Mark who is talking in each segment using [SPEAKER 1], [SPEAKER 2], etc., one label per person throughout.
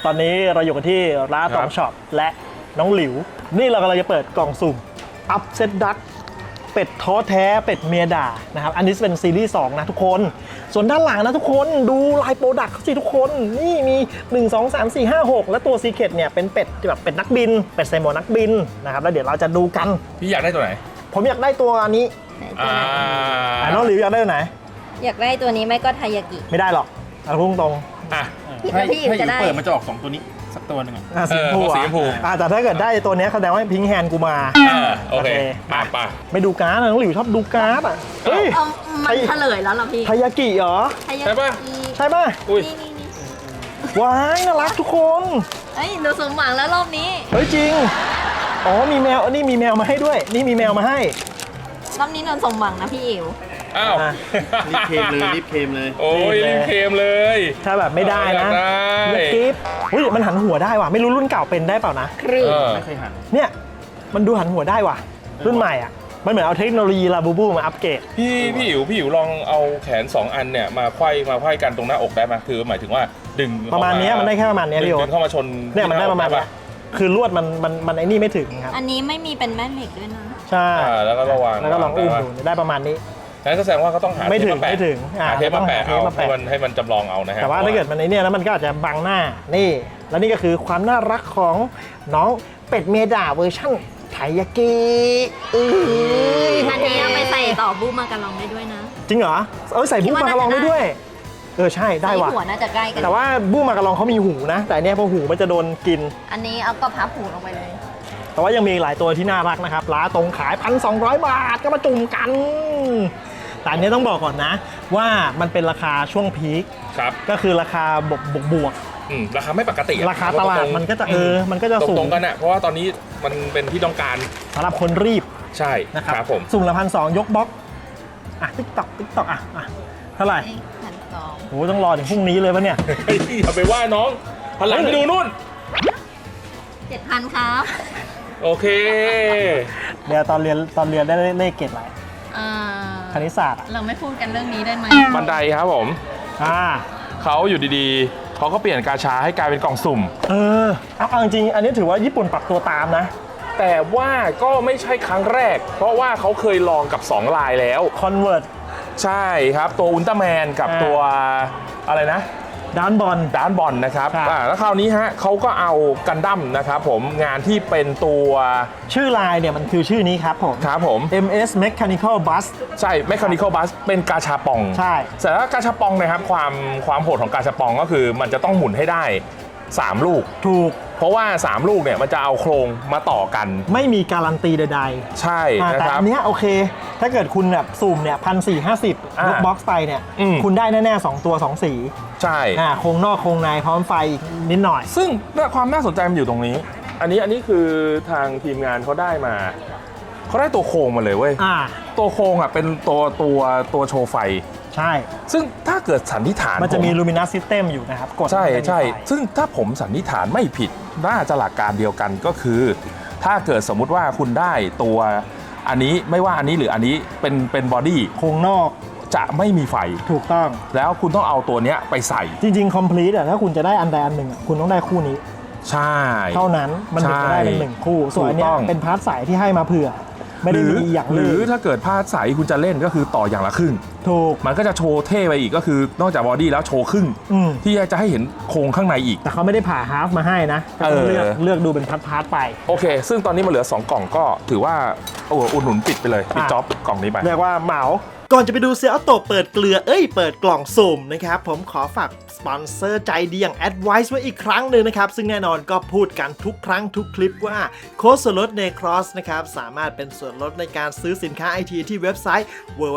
[SPEAKER 1] ตอนนี้เราอยู่กันที่ร้านตองช็อปและน้องหลิวนี่เรากำลังจะเปิดกล่องสุ่มอัพเซตดักเป็ดท้อแท้เป็ดเมียด่านะครับอันนี้เป็นซีรีส์2นะทุกคนส่วนด้านหลังนะทุกคนดูลายโปรดักต์สิทุกคนนี่มี1 2 3 4 5 6และตัวซีเคร็ตเนี่ยเป็นเป็ดแบบเป็ดนักบินเป็ดใส่หมวกนักบินนะครับแล้วเดี๋ยวเราจะดูกัน
[SPEAKER 2] พี่อยากได้ตัวไหน
[SPEAKER 1] ผมอยากได้ตัวนี้ น้องหลิวอยากได้ตัวไหน
[SPEAKER 3] อยากได้ตัวนี้ไม่ก็ไทยากิ
[SPEAKER 1] ไม่ได้หรอกเอาพุ่งตรง
[SPEAKER 2] อ่ะ
[SPEAKER 3] พี่อิ๋วจะได้
[SPEAKER 2] เปิดมันจะออก2ตัวนี้สักตัวหนึง
[SPEAKER 1] สีชมพู
[SPEAKER 2] สีชมพู
[SPEAKER 1] แต่ถ้าเกิดได้ตัวนี้แสดงว่าพิงค์แฮนด์กูมา
[SPEAKER 2] โอเคป่ะ
[SPEAKER 1] ไม่ดูการ์ดนะน้องหลิวชอบดูการ์ดอ่ะเฮ้ย
[SPEAKER 3] มันเฉลยแล้วเหรอพี่
[SPEAKER 1] ไทยากิเหรอ
[SPEAKER 3] ไทยา
[SPEAKER 2] ใช่ป่ะ
[SPEAKER 3] กิ
[SPEAKER 1] ใช่ป่ะ
[SPEAKER 2] อุ้ย
[SPEAKER 3] นี่
[SPEAKER 1] ว้ายน่ารักทุกคน
[SPEAKER 3] เอ้ยหนูสมหวังแล้วรอบนี้
[SPEAKER 1] เฮ้ยจริงอ๋อมีแมวนี่มีแมวมาให้ด้วยนี่มีแมวมาให้
[SPEAKER 3] รอบนี้หนูสมหวังนะพี่อิ๋ว
[SPEAKER 2] อ้าว
[SPEAKER 1] อ่ะ
[SPEAKER 4] รีบเคมเลยรีบเคมเลย
[SPEAKER 2] โอ้ยรีบเคมเลย
[SPEAKER 1] ถ้าแบบไม่ได้นะ
[SPEAKER 2] ได้
[SPEAKER 1] เล็กกิ๊บอุ้ยมันหันหัวได้ว่ะไม่รู้รุ่นเก่าเป็นได้เปล่านะ
[SPEAKER 3] ครึ่ง
[SPEAKER 4] ไม่เคยหัน
[SPEAKER 1] เนี่ยมันดูหันหัวได้ว่ะรุ่นใหม่อ่ะมันเหมือนเอาเทคโนโลยีลาบูบูมาอัปเกรด
[SPEAKER 2] พี่อิ๋วลองเอาแขน2อันเนี่ยมาไขว้กันตรงหน้าอกได้ไหมคือหมายถึงว่าดึง
[SPEAKER 1] ประมาณเนี้ยมันได้แค่ประมาณเนี้ยพี่โอ๊
[SPEAKER 2] ดึ
[SPEAKER 1] ต
[SPEAKER 2] งเข้ามาชน
[SPEAKER 1] เนี่ยมันได้ประมาณเนี้ยคือลวดมันไอ้นี่ไม่ถึงครับ
[SPEAKER 3] อันนี้ไม่มีเป็นแม่เหล็กด้วยนะ
[SPEAKER 1] ใช่
[SPEAKER 2] แล้วก็ระวัง
[SPEAKER 1] แล้วก็ลองอุ้มดูได้ประมาณนี้
[SPEAKER 2] งั้นก็แสดงว่าก็ต้องหา
[SPEAKER 1] ไม่ถึง
[SPEAKER 2] เทปาแปะ
[SPEAKER 1] ไม่ถึง
[SPEAKER 2] หาเทปมาแปะ
[SPEAKER 1] ต้องหาเทป
[SPEAKER 2] เอา
[SPEAKER 1] มาแปะ
[SPEAKER 2] ให้มันจำลองเอานะฮะ
[SPEAKER 1] แต่ว่าถ้าเกิดมันไอ้เนี่ยแล้วมันก็อาจจะบังหน้านี่ แล้วนี่ก็คือความน่ารักของน้องเป็ดเมดาเวอร์ชั่นไทยากิ
[SPEAKER 3] อันนี้เอาไปใส่ต่อบูมากระลองได้ด้วยนะ
[SPEAKER 1] จริงเหรอใส่บูมมากระลองได้ด้วยใช่ได้ว่ะ
[SPEAKER 3] ใส่หัวน่าจะใกล้กัน
[SPEAKER 1] แต่ว่าบูมมากระลองเขามีหูนะ แต่อันเนี้ยพอหูมันจะโดนกิน
[SPEAKER 3] อันนี้เอาก็พับหูลงไปเลย
[SPEAKER 1] แต่ว่ายังมีหลายตัวที่น่ารักนะครับร้านตรงขาย 1,200 บาทก็มาจุ่มกัน แต่อันนี้ต้องบอกก่อนนะ ว่ามันเป็นราคาช่วงพีค
[SPEAKER 2] ครับ
[SPEAKER 1] ก็คือราคาบวก
[SPEAKER 2] ราคาไม่ปกติอะ
[SPEAKER 1] ราคาตลาดมันก็จะมันก็จะสู
[SPEAKER 2] ตรง งกันอะเพราะว่าตอนนี้มันเป็นที่ต้องการ
[SPEAKER 1] สำหรับคนรีบ
[SPEAKER 2] ใช่
[SPEAKER 1] นะครับ
[SPEAKER 2] ผม
[SPEAKER 1] สุ่มละ1,200ยกบล็อกติ๊กต็อกเท่าไหร่
[SPEAKER 3] 1,200
[SPEAKER 1] โหต้องรอถึงพรุ่งนี้เลยปะเนี่ย
[SPEAKER 2] อย่าไปว่าน้องหันหลังไปดูนู่น
[SPEAKER 3] 7,000 ครับ
[SPEAKER 2] โอเค
[SPEAKER 1] เดี๋ยวตอนเรียนได้เลขเกรดอะไร
[SPEAKER 3] อ่า
[SPEAKER 1] คณิตศาสตร์อ่ะ
[SPEAKER 3] เราไม่พูดกันเรื่องนี้ได้ไหม
[SPEAKER 2] บันไดครับผม
[SPEAKER 1] อ่า
[SPEAKER 2] เขาอยู่ดีๆเขาก็เปลี่ยนกาชาให้กลายเป็นกล่องสุ่ม
[SPEAKER 1] เอาจริงๆอันนี้ถือว่าญี่ปุ่นปรับตัวตามนะ
[SPEAKER 2] แต่ว่าก็ไม่ใช่ครั้งแรก เพราะว่าเขาเคยลองกับ2ลายแล้ว
[SPEAKER 1] Convert
[SPEAKER 2] ใช่ครับตัวอุลตร้าแมนกับตัวอะไรนะ
[SPEAKER 1] ด้านบอล
[SPEAKER 2] ดานบอลนะครับ
[SPEAKER 1] ครับ
[SPEAKER 2] แล้วคราวนี้ฮะเขาก็เอากันดั้มนะครับผมงานที่เป็นตัว
[SPEAKER 1] ชื่อลายเนี่ยมันคือชื่อนี้ครับผม
[SPEAKER 2] ครับผม
[SPEAKER 1] MS Mechanical Bus
[SPEAKER 2] ใช่ Mechanical Bus เป็นกาชาปอง
[SPEAKER 1] ใช่
[SPEAKER 2] แต่ว่ากาชาปองนะครับความโหดของกาชาปองก็คือมันจะต้องหมุนให้ได้3ลูก
[SPEAKER 1] ถูก
[SPEAKER 2] เพราะว่า3ลูกเนี่ยมันจะเอาโครงมาต่อกัน
[SPEAKER 1] ไม่มีการันตีใด
[SPEAKER 2] ใช่
[SPEAKER 1] ๆ
[SPEAKER 2] นะ
[SPEAKER 1] แต่
[SPEAKER 2] ครับ
[SPEAKER 1] อันเนี้ยโอเค ถ้าเกิดคุณแบบสุ่มเนี่ย1,450ยกบ็อกซ์ไปเนี่ย คุณได้แน่ๆ2ตัว2สี
[SPEAKER 2] ใช่
[SPEAKER 1] โครงนอกโครงในพร้อมไฟอีกนิดหน่อย
[SPEAKER 2] ซึ่งความน่าสนใจมันอยู่ตรงนี้ อันนี้คือทางทีมงานเขาได้มาเขาได้ตัวโครงมาเลยเว้ย ตัวโครงอ่ะเป็นตัวโชว์ไฟ
[SPEAKER 1] ใช่
[SPEAKER 2] ซึ่งถ้าเกิดสันนิษฐาน
[SPEAKER 1] มันจะมี
[SPEAKER 2] ผ
[SPEAKER 1] Luminous System อยู่นะครับ กด
[SPEAKER 2] ใช่
[SPEAKER 1] มันจะมี
[SPEAKER 2] ใช่
[SPEAKER 1] ไฟ
[SPEAKER 2] ซึ่งถ้าผมสันนิษฐานไม่ผิดน่าจะหลักการเดียวกันก็คือ ถ้าเกิดสมมุติว่าคุณได้ตัวอันนี้ไม่ว่าอันนี้หรืออันนี้เป็นบอดี้
[SPEAKER 1] โครงนอก
[SPEAKER 2] จะไม่มีไฟ
[SPEAKER 1] ถูกต้อง
[SPEAKER 2] แล้วคุณต้องเอาตัวเนี้ยไปใส่
[SPEAKER 1] จริงๆ complete ถ้าคุณจะได้อันใดอันหนึ่งคุณต้องได้คู่นี้
[SPEAKER 2] ใช่
[SPEAKER 1] เท่านั้นมันถึงจะได้เป็นหนึ่งคู่ ส่วนอันเนี้ย
[SPEAKER 2] ถูกต้อง
[SPEAKER 1] เป็นพาร์ทสายที่ให้มาเผื่อ ไม่ได้มีอย่าง
[SPEAKER 2] ห
[SPEAKER 1] เล
[SPEAKER 2] รือย ถ้าเกิดพลาดใสคุณจะเล่นก็คือต่ออย่างละครึ่ง
[SPEAKER 1] ถูก
[SPEAKER 2] มันก็จะโชว์เท่ไปอีกก็คือนอกจากบอดี้แล้วโชว์ครึ่ง ที่จะให้เห็นโครงข้างในอีก
[SPEAKER 1] แต่เขาไม่ได้ผ่าฮาล์ฟมาให้นะก็ต้องเลือกดูเป็นพาร์ทๆไป
[SPEAKER 2] โอเค ซึ่งตอนนี้มันเหลือ 2 กล่องก็ถือว่าอุดหนุนปิดไปเลยปิดจ็อบกล่องนี้ไป
[SPEAKER 1] เรียกว่าเหมา ก่อนจะไปดูเซียโตเปิดเกลือเปิดกล่องสุ่มนะครับผมขอฝากสปอนเซอร์ใจดีอย่าง Advice ไว้อีกครั้งหนึ่งนะครับซึ่งแน่นอนก็พูดกันทุกครั้งทุกคลิปว่าโค้ดส่วนลด Necross นะครับสามารถเป็นส่วนลดในการซื้อสินค้า IT ที่เว็บไซต์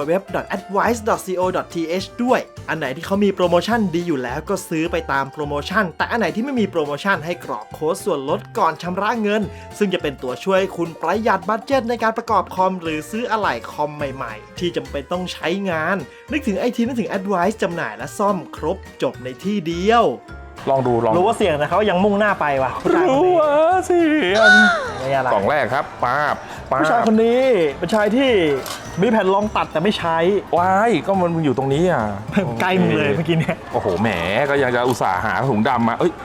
[SPEAKER 1] www.advice.co.th ด้วยอันไหนที่เขามีโปรโมชั่นดีอยู่แล้วก็ซื้อไปตามโปรโมชั่นแต่อันไหนที่ไม่มีโปรโมชั่นให้กรอกโค้ดส่วนลดก่อนชำระเงินซึ่งจะเป็นตัวช่วยคุณประหยัดบัดเจ็ตในการประกอบคอมหรือซื้ออะไหล่คอมใหม่ๆที่จำเป็นต้องใช้งานนึกถึง IT นึกถึง Advice จำหน่ายและซ่อมครบจบในที่เดียว
[SPEAKER 2] ลองดู
[SPEAKER 1] รู้ว่าเสี่ยงแต่เขายังมุ่งหน้าไปว่ะผู้ชายคน
[SPEAKER 2] รู้
[SPEAKER 1] นี้
[SPEAKER 2] ว่าเสียง
[SPEAKER 1] ไม่อะไร
[SPEAKER 2] กล่องแรกครับป้าบ
[SPEAKER 1] ผู้ชายคนนี้เป็นชายที่มีแผ่นรองตัดแต่ไม่ใช้
[SPEAKER 2] ว้ายก็มันอยู่ตรงนี้อ่ะ
[SPEAKER 1] ใกล้มึงเลยเมื่อกี้เนี่ย
[SPEAKER 2] โอ้โหแหมก็ยังจะอุตส่าห์หาถุงดำมา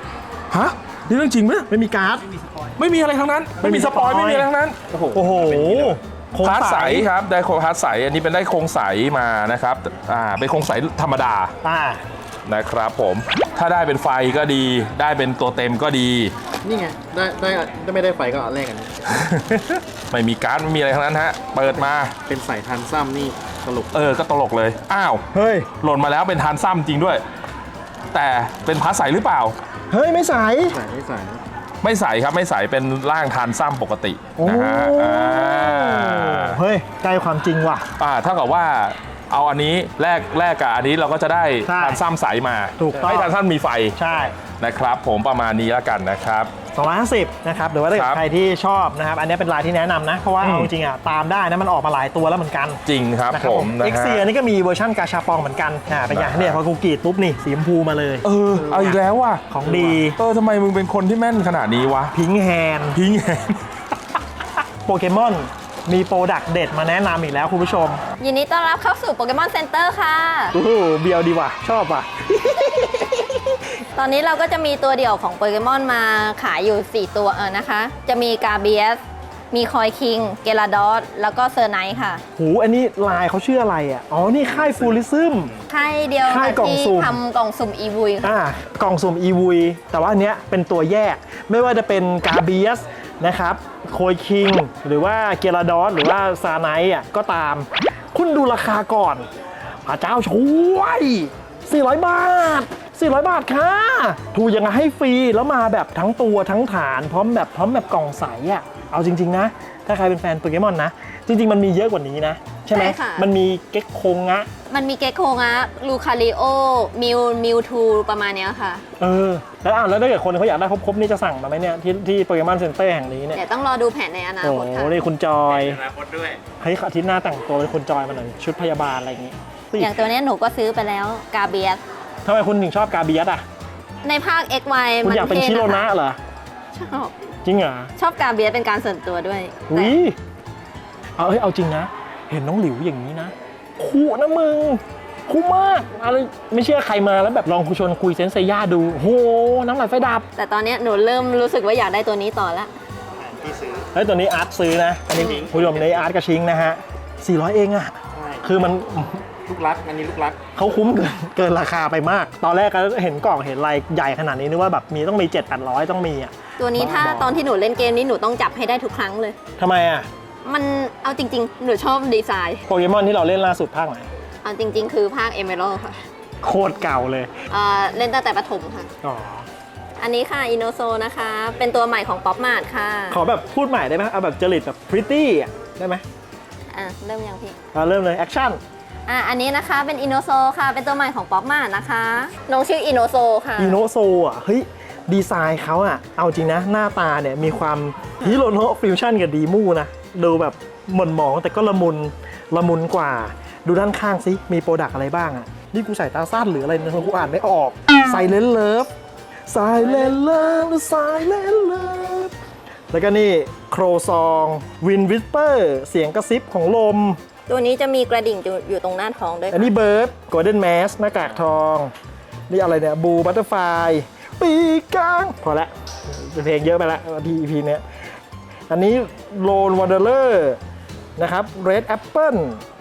[SPEAKER 2] ฮะนี่เรื่องจริงไหม
[SPEAKER 1] ไม่มีการ์ด
[SPEAKER 2] ไม่มีอะไรทั้งนั้น ไม่มีสปอยล์ไม่มีอะไรทั้งนั้น
[SPEAKER 1] โอ้โหโครง
[SPEAKER 2] พาร์ท
[SPEAKER 1] ใส
[SPEAKER 2] ใสครับได้โครงพาร์ทใสอันนี้เป็นได้โครงใสมานะครับเป็นโครงใสธรรมดา นะครับผมถ้าได้เป็นไฟก็ดีได้เป็นตัวเต็มก็ดี
[SPEAKER 4] นี่ไง ได้ไม่ได้ไฟก็แลกกัน
[SPEAKER 2] ไม่มีการ์ดไม่มีอะไรทั้งนั้นฮะเปิดมา
[SPEAKER 4] เป็นสายทันซ้ำนี่ตลก
[SPEAKER 2] ก็ตลกเลยอ้าว
[SPEAKER 1] เฮ้ย
[SPEAKER 2] หล่นมาแล้วเป็นทานซ้ำจริงด้วย แต่เป็นพาร์ทใสหรือเปล่า
[SPEAKER 1] เฮ้ยไม่ใส
[SPEAKER 4] สายไม่สาย
[SPEAKER 2] ไม่ใสครับไม่ใสเป็นร่างทานซ้ำปกตินะฮะ
[SPEAKER 1] เฮ้ยใกล้ความจริงว่ะ
[SPEAKER 2] เท่ากับว่าเอาอันนี้แลกกับอันนี้เราก็จะได้
[SPEAKER 1] ใช่
[SPEAKER 2] ทานซ้ำใสมา
[SPEAKER 1] ถูกต้อง
[SPEAKER 2] ให้ทานซ้ำมีไฟ
[SPEAKER 1] ใช่
[SPEAKER 2] นะครับผมประมาณนี้แล้วกันนะครับ
[SPEAKER 1] 250นะครับหรือว่าถ้าเกิ
[SPEAKER 2] ครั
[SPEAKER 1] ด
[SPEAKER 2] บ
[SPEAKER 1] ใครที่ชอบนะครับอันนี้เป็นลายที่แนะนำนะเพราะว่า
[SPEAKER 2] อืม
[SPEAKER 1] เอาจริงๆอ่ะตามได้นะมันออกมาหลายตัวแล้วเหมือนกัน
[SPEAKER 2] จริงครับ
[SPEAKER 1] นะครับ
[SPEAKER 2] ผมนะ
[SPEAKER 1] เอ็ก
[SPEAKER 2] ฮะ
[SPEAKER 1] เซียนี่ก็มีเวอร์ชันกาชาปองเหมือนกันเป็นอย่างเนี่ยพอกูกรีดปุ๊บนี่สีชมพูมาเลย
[SPEAKER 2] เอาอีกแล้วว่ะ
[SPEAKER 1] ของดี
[SPEAKER 2] ทำไมมึงเป็นคนที่แม่นขนาดนี้วะ
[SPEAKER 1] พิงแฮน
[SPEAKER 2] พิงแฮน
[SPEAKER 1] โปเกมอนมีโปรดักต์เด็ดมาแนะนำอีกแล้วคุณผู้ชม
[SPEAKER 3] ยินดีต้อนรับเข้าสู่โปเกมอนเซ็นเตอร์ค่ะ
[SPEAKER 1] โอ้โหเบียวดีว่ะชอบว่ะ
[SPEAKER 3] ตอนนี้เราก็จะมีตัวเดี่ยวของโปเกมอนมาขายอยู่ 4 ตัวนะคะ จะมีกาเบียส มีคอยคิง เกลาดอส แล้วก็เซอร์ไนท์ค่ะ
[SPEAKER 1] หูอันนี้ลายเขาชื่ออะไรอ่ะอ๋อนี่ค่ายฟูลิซึม
[SPEAKER 3] ค่ายเดียว
[SPEAKER 1] ค่ายกล่อง
[SPEAKER 3] ที่
[SPEAKER 1] สุ่ม
[SPEAKER 3] ทำกล่องสุ่มอีวุยค่ะ
[SPEAKER 1] กล่องสุ่มอีวุยแต่ว่าอันเนี้ยเป็นตัวแยกไม่ว่าจะเป็นกาเบียสนะครับโคยคิงหรือว่าเกลาดอสหรือว่าซาไนท์ก็ตาม คุณดูราคาก่อนพระเจ้าช่วย400 บาท400 บาทค่ะถูกยังไงให้ฟรีแล้วมาแบบทั้งตัวทั้งฐานพร้อมแบบกล่องใสเอาจริงๆนะถ้าใครเป็นแฟนโปเกมอนนะจริงๆมันมีเยอะกว่านี้นะใช่ไหม
[SPEAKER 3] ใช่ค่ะ
[SPEAKER 1] มันมีเก็กโคงะ
[SPEAKER 3] มันมีเกคโคงะลูคาริโอ มิวทูประมาณเนี้ยค่ะ
[SPEAKER 1] แล้วถ้าเกิดคนเขาอยากได้ครบๆนี่จะสั่งมาไหมเนี่ยที่โปเกมอนเซ็นเตอร์แห่งนี้เนี่ย
[SPEAKER 3] เดี๋ยวต้องรอดูแผนในอนา
[SPEAKER 1] โอ้
[SPEAKER 3] ค
[SPEAKER 1] โห
[SPEAKER 3] ตค่ะ
[SPEAKER 1] นี่คุณจอย
[SPEAKER 4] อนาคตด้วย
[SPEAKER 1] เฮ้ยอาทิตย์หน้าแต่งตัวเป็นคุณจอยมาหน่อยชุดพยาบาลอะไรอย่างงี้
[SPEAKER 3] อย่างตัวเนี้ยหนูก็ซื้อไปแล้วกาเบียส
[SPEAKER 1] ทำไมคุณถึงชอบกาเบียสอ่ะ
[SPEAKER 3] ในภาค XY
[SPEAKER 1] คุณ
[SPEAKER 3] มัน
[SPEAKER 1] อยากเป็น
[SPEAKER 3] ท่
[SPEAKER 1] ชิโรนะเหรอ
[SPEAKER 3] ชอบ
[SPEAKER 1] จริงเหรอ
[SPEAKER 3] ชอบกาเบียสเป็นการส่วนตัวด้วย
[SPEAKER 1] อุ้ยเอาจริงนะ เห็นน้องหลิวอย่างนี้นะคู่นะมึงคู่มากอะไรไม่เชื่อใครมาแล้วแบบลองชวนคุยเซนเซย่าดูโหน้ำลายไฟดับ
[SPEAKER 3] แต่ตอนเนี้ยหนูเริ่มรู้สึกว่าอยากได้ตัวนี้ต่อละ
[SPEAKER 1] เฮ้ยตัวนี้อาร์ตซื้อนะอันนี้คุณผู้ชมในอาร์ตกระชิงนะฮะ400 เองอ่ะ
[SPEAKER 4] ใช่
[SPEAKER 1] คือมัน
[SPEAKER 4] ลูกรัก อันนี้ลูกรัก
[SPEAKER 1] เขาคุ้มเกินราคาไปมาก ตอนแรกก็เห็นกล่องเห็นลายใหญ่ขนาดนี้นึกว่าแบบต้องมี 700-800 ต้องมีอ่ะ
[SPEAKER 3] ตัวนี้ถ้าตอนที่หนูเล่นเกมนี้หนูต้องจับให้ได้ทุกครั้งเลย
[SPEAKER 1] ทำไมอ่ะ
[SPEAKER 3] มันเอาจริงๆ หนูชอบดีไซน์
[SPEAKER 1] โปเกมอนที่เราเล่นล่าสุดภาคไหน
[SPEAKER 3] เอาจริง ๆ คือภาคเอเมอรัลค่ะ
[SPEAKER 1] โคตรเก่าเลย
[SPEAKER 3] เล่นตั้งแต่ประถมค่ะ
[SPEAKER 1] อ๋อ
[SPEAKER 3] อันนี้ค่ะอินโนโซนะคะ เป็นตัวใหม่ของป๊อปมาร์ทค่ะ
[SPEAKER 1] ขอแบบพูดใหม่ได้ไหมเอาแบบจริตแบบพริตตี้อ่ะได้ไหม
[SPEAKER 3] เริ่มยังพี่
[SPEAKER 1] เริ่มเลยแอคชั่น
[SPEAKER 3] อันนี้นะคะเป็นอินโนโซค่ะ เป็นตัวใหม่ของป๊อปมาร์ทนะคะน้องชื่ออินโนโซค่ะ
[SPEAKER 1] อีโนโซอ่ะเฮ้ยดีไซน์เขาอ่ะเอาจริงนะหน้าตาเนี่ยมีความฮิโรโนะฟิวชั่นกับดีมูนะดูแบบหม่นหมองแต่ก็ละมุนกว่า ดูด้านข้างสิมีโปรดักอะไรบ้างอ่ะนี่กูใส่ตาสั้นหรืออะไรเนี่ยกูอ่านไม่ออกไซเลนเลิฟไซเลนเลิฟไซเลนเลิฟแล้วก็นี่โครซองวินวิสเปอร์เสียงกระซิบของลม
[SPEAKER 3] ตัวนี้จะมีกระดิ่งอยู่ตรงหน้าท้องด้วย
[SPEAKER 1] อันนี้เบิร์ดโกลเด้นแมสหน้ากากทอง นี่อะไรเนี่ยบูบัตเตอร์ไฟปีกกลางพอละเพลงเยอะไปละEP เนี้ยอันนี้โลนว a นเดอร์นะครับ Red Apple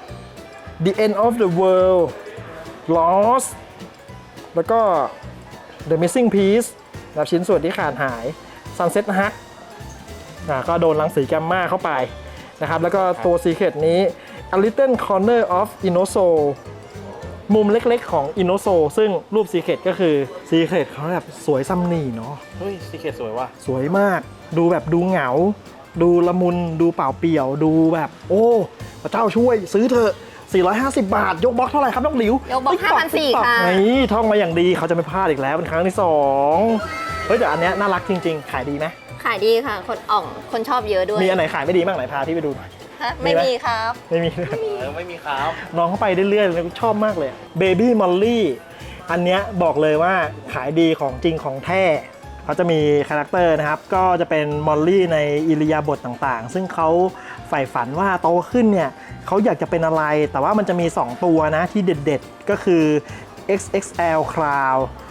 [SPEAKER 1] The End of the World Lost แล้วก็ The Missing Piece แบบชิ้นส่วนที่ขาดหาย Sunset Hug ก็โดนรังสีแกมมาเข้าไปนะครับแล้วก็ตัว Secret นี้ A Little Corner of Inoso มุมเล็กๆของ Inoso ซึ่งรูป Secret ก็คือ Secret เขาแบบสวยซ้ำหนี่เนาะ
[SPEAKER 4] เฮ้ยซีเคทสวยว่ะ
[SPEAKER 1] สวยมากดูแบบดูเหงา ดูละมุนดูเปล่าเปลี่ยวดูแบบ โอ้พระเจ้าช่วยซื้อเถอะ450 บาท ยกบล็อกเท่าไหร่ครับน้องหลิวย
[SPEAKER 3] กบล็อก 5,400 ค่ะ
[SPEAKER 1] นี่ท่องมาอย่างดีเขาจะไม่พลาดอีกแล้วเป็นครั้งที่2เฮ้ยแต่อันเนี้ยน่ารักจริงๆ ขายดีไหม
[SPEAKER 3] ขายดีค่ะ คนชอบเยอะด้วย
[SPEAKER 1] มีอันไหนขายไม่ดีบ้างไหนพาพี่ไปดูหน่อย
[SPEAKER 3] ฮะไม่มีครับ
[SPEAKER 1] ไม่มีเลย
[SPEAKER 4] ไม่มีครับ
[SPEAKER 1] น้องเข้าไปเรื่อยๆเลยชอบมากเลยเบบี้มอลลี่อันเนี้ยบอกเลยว่าขายดีของจริงของแท้เขาจะมีคาแรคเตอร์นะครับก็จะเป็นมอลลี่ในอิริยาบถต่างๆ ซึ่งเขาใฝ่ฝันว่าโตขึ้นเนี่ยเขาอยากจะเป็นอะไรแต่ว่ามันจะมี2ตัวนะที่เด็ดๆก็คือ XXL Cloud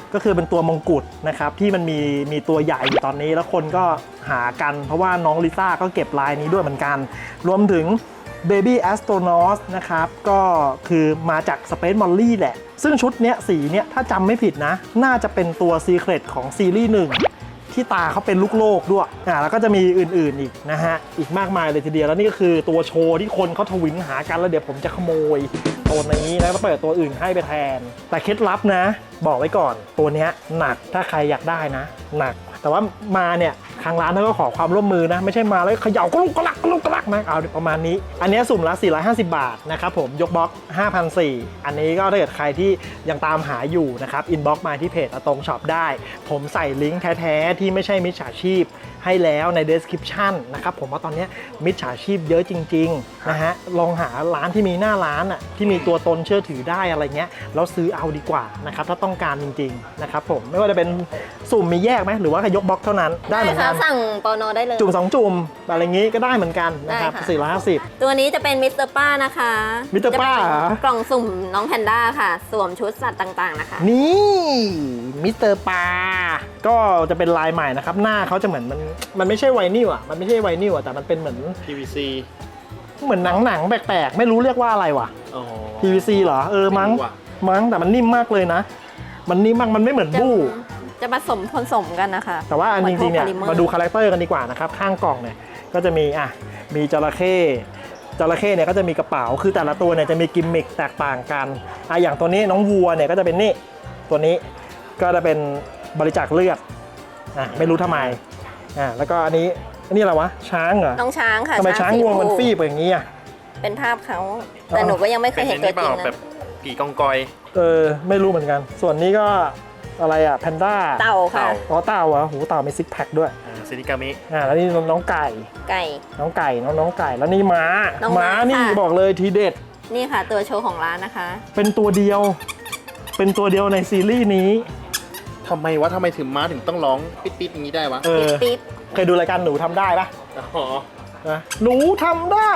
[SPEAKER 1] ก็คือเป็นตัวมงกุฎนะครับที่มันมีตัวใหญ่อยู่ตอนนี้แล้วคนก็หากันเพราะว่าน้องลิซ่าก็เก็บลายนี้ด้วยเหมือนกันรวมถึง Baby Astronaut นะครับก็คือมาจาก Space Molly แหละซึ่งชุดเนี้ยสีเนี้ยถ้าจำไม่ผิดนะน่าจะเป็นตัว Secret ของซีรีส์1ที่ตาเขาเป็นลูกโลกด้วยแล้วก็จะมีอื่นๆอีกนะฮะอีกมากมายเลยทีเดียวแล้วนี่ก็คือตัวโชว์ที่คนเขาทวินหากันแล้วเดี๋ยวผมจะขโมยตัวนี้แล้วก็เปิดตัวอื่นให้ไปแทนแต่เคล็ดลับนะบอกไว้ก่อนตัวเนี้ยหนักถ้าใครอยากได้นะหนักแต่ว่ามาเนี่ยทางร้านเขาก็ขอความร่วมมือนะไม่ใช่มาแล้วเขย่ากระลุกกระลักกระลุกกระลักนะเอาประมาณนี้อันนี้สุ่มละ450 บาทนะครับผมยกบล็อก 5,400 อันนี้ก็ถ้าเกิดใครที่ยังตามหาอยู่นะครับอินบ็อกซ์มาที่เพจตรงช็อปได้ผมใส่ลิงก์แท้ๆที่ไม่ใช่มิจฉาชีพให้แล้วใน description นะครับผมว่าตอนนี้มิจฉาชีพเยอะจริงๆนะฮะลองหาร้านที่มีหน้าร้านอ่ะที่มีตัวตนเชื่อถือได้อะไรเงี้ยแล้วซื้อเอาดีกว่านะครับถ้าต้องการจริงๆนะครับผมไม่ว่าจะเป็นสุ่มมีแยกไหมหรือว่าแค่ยกบล็อกเท่านั้นได้เหมือนกัน
[SPEAKER 3] สั่งปอนอได้เลย
[SPEAKER 1] จุ่ม2 จุ่มอะไรงี้ก็ได้เหมือนกันนะครับ
[SPEAKER 3] ได้ค่ะ
[SPEAKER 1] 450
[SPEAKER 3] ตัวนี้จะเป็นมิสเตอร์ป้านะคะ
[SPEAKER 1] มิสเตอร์ป้าเหรอ
[SPEAKER 3] จะเป็นกล่องสุ่มน้องแพนด้าค่ะ สวมชุดสัตว์ต่างๆนะคะ
[SPEAKER 1] นี่มิสเตอร์ปาก็จะเป็นลายใหม่นะครับหน้าเขาจะเหมือนมันไม่ใช่ไวนิลอ่ะมันไม่ใช่ไวนิลอ่ะแต่มันเป็นเหมือน
[SPEAKER 4] PVC
[SPEAKER 1] เหมือนหนังแปลกๆไม่รู้เรียกว่าอะไรวะ
[SPEAKER 4] อ๋อ
[SPEAKER 1] PVC เหรอมั้ง
[SPEAKER 4] ไม่รู้อะ
[SPEAKER 1] แต่มันนิ่มมากเลยนะ มันนิ่มมากมันไม่เหมือนบู้
[SPEAKER 3] จะผสมกันนะคะ
[SPEAKER 1] แต่ว่าอันจริงๆเนี่ย
[SPEAKER 3] หอพวก
[SPEAKER 1] มาดูคาแรคเตอร์กันดีกว่านะครับข้างกล่องเนี่ยก็จะมีมีจระเข้เนี่ยก็จะมีกระเป๋าคือแต่ละตัวเนี่ยจะมีกิมมิคแตกต่างกันอย่างตัวนี้น้องวัวเนี่ยก็จะเป็นนี่ตัวนี้ก็จะเป็นบริจาคเลือดไม่รู้ทำไมแล้วก็อันนี้อะไรวะช้างเหรอ
[SPEAKER 3] น้องช้างค่ะ
[SPEAKER 1] ทำไมช้างงวงมัน
[SPEAKER 3] สีช
[SPEAKER 1] ฟีบอย่างนี้อ่ะ
[SPEAKER 3] เป็นภาพเขาแต่หนูก็ยังไม่เคยเห็นตัวจริง
[SPEAKER 4] แบ
[SPEAKER 3] นะ
[SPEAKER 4] บกี่กองกอย
[SPEAKER 1] ไม่รู้เหมือนกัน ส่วนนี้ก็อะไรแพนด้า
[SPEAKER 3] เต่าค่ะ
[SPEAKER 1] อ๋อเต่าเหรอหูเต่ามีซิกแพคด้วย
[SPEAKER 4] ซินิกามิ
[SPEAKER 1] แล้วนี่น้องไก่
[SPEAKER 3] ไก่
[SPEAKER 1] น้องไก่แล้วนี่ม้า
[SPEAKER 3] น้องม้า
[SPEAKER 1] นี่
[SPEAKER 3] ค่ะ
[SPEAKER 1] บอกเลยทีเด็ด
[SPEAKER 3] นี่ค่ะตัวโชว์ของร้านนะคะ
[SPEAKER 1] เป็นตัวเดียวในซีรีส์นี้
[SPEAKER 4] ทำไมถึงม้าถึงต้องร้องปิดๆอย่างนี้ได้วะ
[SPEAKER 3] ปิ๊บ
[SPEAKER 1] เคยดูรายการหนูทำได้ปะ
[SPEAKER 4] อ๋อ
[SPEAKER 1] หนูทำได้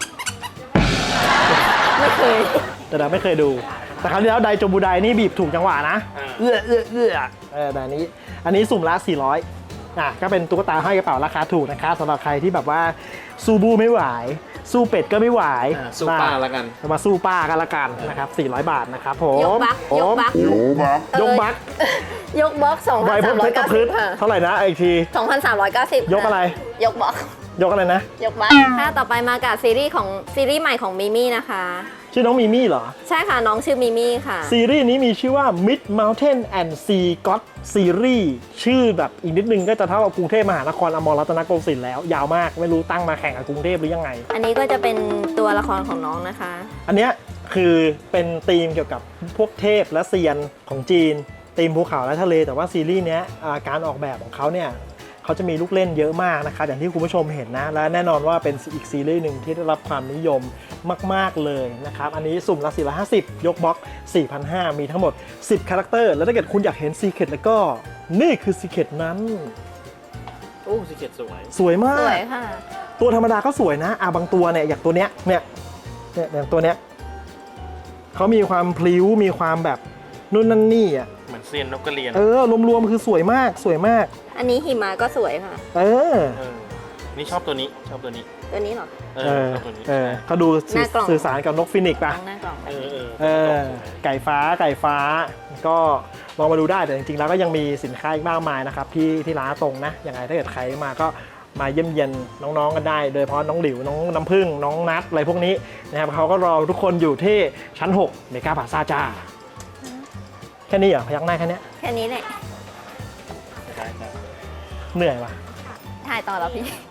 [SPEAKER 3] ไม่เคย
[SPEAKER 1] แต่เราไม่เคยดู แต่ครั้งที่แล้วไดโจบูไดนี่บีบถูกจังหวะนะเอื้อแต่อันนี้สุ่มละ400ก็เป็นตุ๊กตาห้อยกระเป๋าราคาถูกนะคะสำหรับใครที่แบบว่าสู้บูไม่ไหว สู้เป็ดก็ไม่ไหว
[SPEAKER 4] สู้ป้าแล้วกัน
[SPEAKER 1] มาสู้ป้ากันละกันนะครับ400 บาทนะครับผม
[SPEAKER 3] ยกบัก
[SPEAKER 1] ยกบัก
[SPEAKER 3] ยกบล็อก
[SPEAKER 1] ไวพบเพชรกับพืช
[SPEAKER 3] 2,390ค่ะ
[SPEAKER 1] เท่าไหร่นะอีกที
[SPEAKER 3] 2,390
[SPEAKER 1] ยกอะไร
[SPEAKER 3] ยกบล็อก
[SPEAKER 1] ยกอะไรนะ
[SPEAKER 3] ยกบักค่ะต่อไปมากับซีรีส์ใหม่ของมิมี่นะคะ
[SPEAKER 1] ชื่อน้องมิมี่เหรอ
[SPEAKER 3] ใช่ค่ะน้องชื่อมิมี่ค่ะ
[SPEAKER 1] ซีรีส์นี้มีชื่อว่า Mid Mountain and Sea God Series ชื่อแบบอีกนิดนึงก็จะเท่ากับกรุงเทพมหานครอมรรัตนโกสินทร์แล้วยาวมากไม่รู้ตั้งมาแข่งกับกรุงเทพหรือยังไง
[SPEAKER 3] อันนี้ก็จะเป็นตัวละครของน้องนะคะ
[SPEAKER 1] อันเนี้ยคือเป็นธีมเกี่ยวกับพวกเทพและเซียนของจีนธีมภูเขาและทะเลแต่ว่าซีรีส์เนี้ยการออกแบบของเขาเนี่ยเขาจะมีลูกเล่นเยอะมากนะครับอย่างที่คุณผู้ชมเห็นนะและแน่นอนว่าเป็นอีกซีรีส์หนึ่งที่ได้รับความนิยมมากๆเลยนะครับอันนี้สุ่มละ450ยกบล็อก 4,500 มีทั้งหมด10คาแรคเตอร์แล้วถ้าเกิดคุณอยากเห็นซีเคร็ตแล้วก็นี่คือซีเคร็ตนั้น
[SPEAKER 4] โอ้สิเกตสวย
[SPEAKER 1] สวยมา
[SPEAKER 3] ส
[SPEAKER 1] ก
[SPEAKER 3] วยค่ะ
[SPEAKER 1] ตัวธรรมดาก็สวยนะบางตัวเนี่ยอย่างตัวเนี้ยอย่างตัวเนี้ยเขามีความพลิ้วมีความแบบนู่นนั่นนี่อ่ะ
[SPEAKER 4] เหมือนเซียนนกกระเรียน
[SPEAKER 1] รวมๆคือสวยมาก
[SPEAKER 3] อันนี้หิมะก็สวยค่ะ
[SPEAKER 4] นี่ชอบตัวนี้
[SPEAKER 3] ตัวนี้เหรอ
[SPEAKER 4] ชอบตัวนี้
[SPEAKER 1] เขาดู
[SPEAKER 3] หน้ากล่อง
[SPEAKER 1] สื่อสารกับนกฟินิกซ์ป่ะ
[SPEAKER 3] หน้ากล่องแบบนี้
[SPEAKER 1] ไก่ฟ้าก็ลองมาดูได้แต่จริงๆแล้วก็ยังมีสินค้าอีกมากมายนะครับที่ร้านตรงนะยังไงถ้าเกิดใครมาก็มาเยี่ยมเยียนน้องๆกันได้โดยเฉพาะน้องหลิวน้องน้ำผึ้งน้องนัทอะไรพวกนี้นะครับเขาก็รอทุกคนอยู่ที่ชั้น6เมกาพลาซ่าจ้าแค่นี้เหรอพยักหน้าแค่เนี้ย
[SPEAKER 3] แค่นี้แหละ
[SPEAKER 1] เหนื่อยว่ะ
[SPEAKER 3] ถ่ายต่อแล้วพี่